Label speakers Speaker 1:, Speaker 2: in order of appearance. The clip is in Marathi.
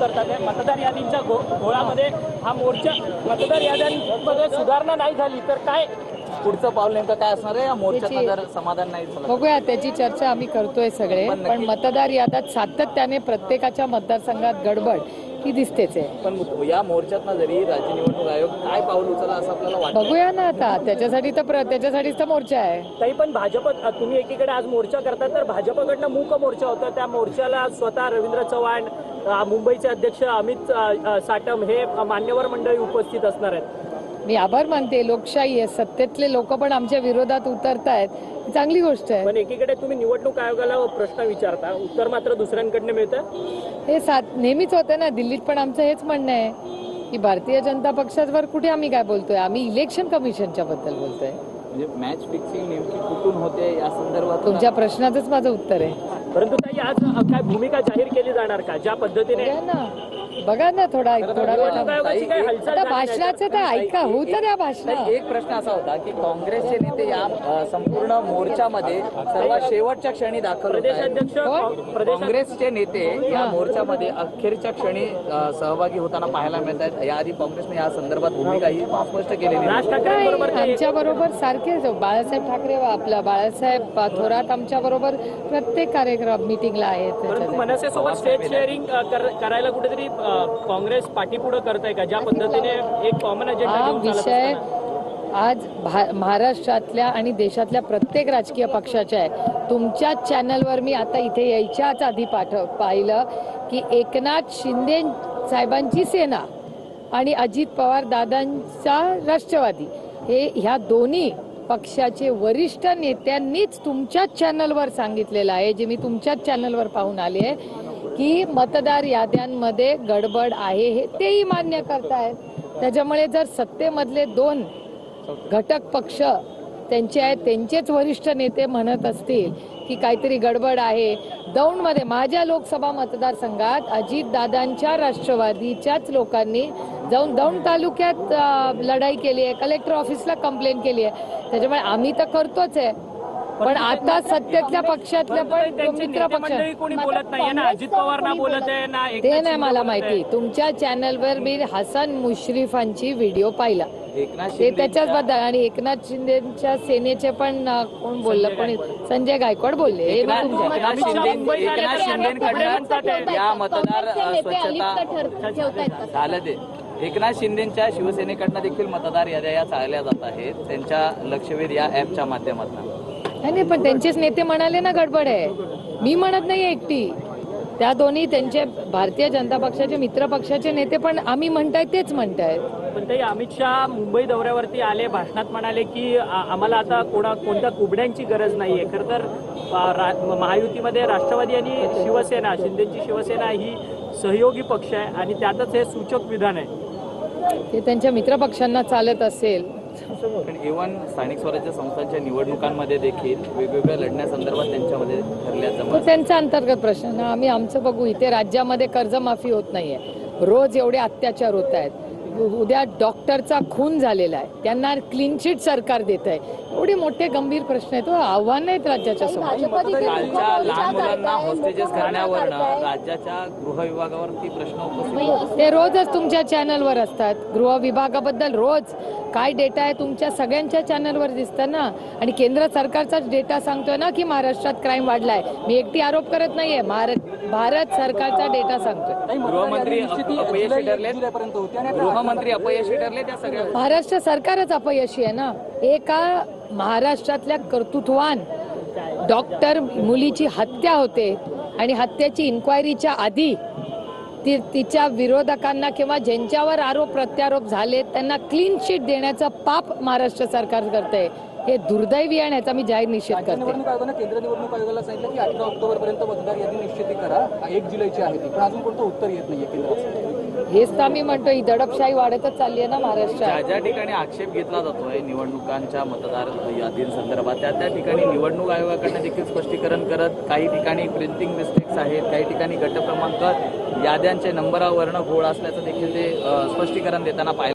Speaker 1: उतरतात आहे। मतदार यादींच्या घोळामध्ये हा मोर्चा, मतदार याद्यांमध्ये सुधारणा नाही झाली तर काय पुढचं पाऊल नेमकं काय असणार आहे? या मोर्चाचं जर समाधान नाही झालं
Speaker 2: बघूया, त्याची चर्चा आम्ही करतोय सगळे। पण मतदार याद्यात सातत्याने प्रत्येकाच्या मतदारसंघात गडबड ही दिसतेच आहे।
Speaker 1: पण या मोर्चातनं जरी राज्य निवडणूक आयोग काय पाऊल उचलला असं आपल्याला वाटतं?
Speaker 2: बघूया ना, आता त्याच्यासाठीच तर मोर्चा आहे।
Speaker 1: तरी पण भाजप, तुम्ही एकीकडे आज मोर्चा करता तर भाजपकडनं मूक मोर्चा होता, त्या मोर्चाला स्वतः रवींद्र चव्हाण, मुंबईचे अध्यक्ष अमित साटम हे मान्यवर मंडळी उपस्थित असणार आहेत।
Speaker 2: मी आभार मानते, लोकशाही आहे, सत्तेतले लोक पण आमच्या विरोधात उतरतायत, चांगली गोष्ट आहे।
Speaker 1: पण एकीकडे तुम्ही निवडणूक आयोगाला प्रश्न विचारता, उत्तर मात्र दुसऱ्यांकडनं मिळतं।
Speaker 2: हे नेहमीच होतं ना, दिल्लीत पण आमचं हेच म्हणणं आहे की भारतीय जनता पक्षावर कुठे आम्ही काय बोलतोय, आम्ही इलेक्शन कमिशनच्या बद्दल बोलतोय।
Speaker 1: म्हणजे मॅच फिक्सिंग नेमकी कुठून होते या संदर्भात
Speaker 2: तुमच्या प्रश्नाचंच माझं उत्तर आहे।
Speaker 1: परंतु ताई, आज काय भूमिका जाहीर केली जाणार का? ज्या पद्धतीने
Speaker 2: बघा ना, थोडा
Speaker 1: आता
Speaker 2: भाषणाचं तर ऐका, होऊ तर या भाषण।
Speaker 1: एक प्रश्न असा होता की काँग्रेसचे नेते या संपूर्ण मोर्चामध्ये सर्वात शेवटच्या क्षणी दाखल होत आहेत। काँग्रेसचे नेते या मोर्चामध्ये अखेरच्या क्षणी सहभागी होताना पाहायला मिळत आहेत। याआधी काँग्रेसने या संदर्भात भूमिका ही स्पष्ट केलेली आहे।
Speaker 2: आमच्या बरोबर सारखेच बाळासाहेब ठाकरे, आपला बाळासाहेब थोरात आमच्या बरोबर प्रत्येक कार्यक्रम मीटिंगला आहेत।
Speaker 1: मनसेसोबत स्टेज शेअरिंग करायला कुठेतरी काँग्रेस पाठीपुढे करताय का? ज्या पद्धतीने एक कॉमन अजेंडा
Speaker 2: विषय आज महाराष्ट्रातल्या आणि देशातल्या प्रत्येक राजकीय पक्षाच्या आहे। तुमच्याच चॅनलवर मी आता इथे यायच्याच आधी पाहिलं की एकनाथ शिंदे साहेबांची सेना आणि अजित पवार दादांचा राष्ट्रवादी, ह्या दोन्ही पक्षाचे वरिष्ठ नेत्यांनीच तुमच्याच चॅनलवर सांगितलेलं आहे, जे मी तुमच्याच चॅनलवर पाहून आले आहे की मतदार याद्यांमध्ये गडबड आहे, हे तेही मान्य करतायत। त्याच्यामुळे जर सत्तेमधले दोन घटक पक्ष त्यांचेच वरिष्ठ नेते म्हणत असतील की काहीतरी गडबड आहे, दौंडमध्ये माझ्या लोकसभा मतदारसंघात अजितदादांच्या राष्ट्रवादीच्याच लोकांनी जाऊन दौंड तालुक्यात लढाई केली आहे, कलेक्टर ऑफिसला कंप्लेंट केली आहे। त्याच्यामुळे आम्ही तर करतोच आहे, पण आता सत्तेतल्या पक्षातल्या पण मित्र पक्ष
Speaker 1: बोलत नाही ना, अजित पवार ना बोलत आहे ना,
Speaker 2: ते नाही मला माहिती। तुमच्या चॅनलवर मी हसन मुश्रीफांची व्हिडिओ पाहिला, ते त्याच्याच बद्दल, आणि एकनाथ शिंदेच्या सेनेचे पण कोण बोललं, कोणी संजय गायकवाड बोलले।
Speaker 1: या मतदार स्वच्छता झालं ते एकनाथ शिंदेच्या शिवसेनेकडनं देखील मतदार याद्या या चालल्या जात आहेत, त्यांच्या लक्षवेध या ऍपच्या माध्यमातून।
Speaker 2: नाही, पण त्यांचेच नेते म्हणाले ना गडबड आहे, मी म्हणत नाही एकटी, त्या दोन्ही त्यांचे भारतीय जनता पक्षाचे मित्र पक्षाचे नेते पण आम्ही म्हणतायत तेच म्हणतायत।
Speaker 1: पण ते अमित शहा मुंबई दौऱ्यावरती आले, भाषणात म्हणाले की आम्हाला आता कोणत्या कुबड्यांची गरज नाहीये। खरं तर महायुतीमध्ये राष्ट्रवादी आणि शिवसेना, शिंदेची शिवसेना ही सहयोगी पक्ष आहे आणि त्यातच हे सूचक विधान आहे।
Speaker 2: ते त्यांच्या मित्र पक्षांना चालत असेल,
Speaker 1: पण इव्हन स्थानिक स्वराज्य संस्थांच्या निवडणुकांमध्ये देखील वेगवेगळ्या लढण्यासंदर्भात त्यांच्यामध्ये ठरल्याचं
Speaker 2: तो त्यांचा अंतर्गत प्रश्न ना, आम्ही आमचं बघू। इथे राज्यामध्ये कर्जमाफी होत नाहीये, रोज एवढे अत्याचार होत आहेत, उद्या डॉक्टरचा खून झालेला आहे, त्यांना क्लीन चिट सरकार देत आहे, एवढे मोठे गंभीर प्रश्न आहेत, आव्हान आहेत राज्याच्या समोर।
Speaker 1: लहान मुलांना हॉस्टेजेस करण्यावरनं राज्याच्या गृह विभागावरती प्रश्न उपस्थित,
Speaker 2: ते रोजच तुमच्या चॅनलवर असतात। गृह विभागाबद्दल रोज काय डेटा आहे तुमच्या सगळ्यांच्या चॅनलवर दिसतं ना, आणि केंद्र सरकारचाच डेटा सांगतोय ना की महाराष्ट्रात क्राईम वाढलाय। मी एकटी आरोप करत नाहीये, भारत सरकारचा डेटा सांगतोय।
Speaker 1: गृहमंत्री अपयशी ठरले त्या सगळ्या,
Speaker 2: महाराष्ट्र सरकारच अपयशी आहे ना। एका महाराष्ट्रातल्या कर्तृत्ववान डॉक्टर मुलीची हत्या होते आणि हत्येची इन्क्वायरीच्या आधी तिच्या विरोधकांना किंवा ज्यांच्यावर आरोप प्रत्यारोप झाले त्यांना क्लीन चिट देण्याचं पाप महाराष्ट्र सरकार करतंय, हे दुर्दैवी आहे, याचा मी जाहीर निषेध करते।
Speaker 3: केंद्र निवडणूक आयोगाला सांगितलं की 18 ऑक्टोबर पर्यंत मतदार यादी निश्चित करा, 1 जुलैची आहे ती, पण अजून कोणतं उत्तर येत नाहीये केंद्राचं।
Speaker 2: हेच तर आम्ही म्हणतो, ही दडपशाही वाढतच चालली आहे ना महाराष्ट्रात।
Speaker 1: ज्या ठिकाणी आक्षेप घेतला जातोय निवडणुकांच्या मतदार यादींसंदर्भात, त्या ठिकाणी निवडणूक आयोगाकडनं देखील स्पष्टीकरण करत, काही ठिकाणी प्रिंटिंग मिस्टेक्स आहेत, काही ठिकाणी गट क्रमांक याद्यांचे नंबरावरनं घोळ असल्याचं देखील ते स्पष्टीकरण देताना पाहिलं।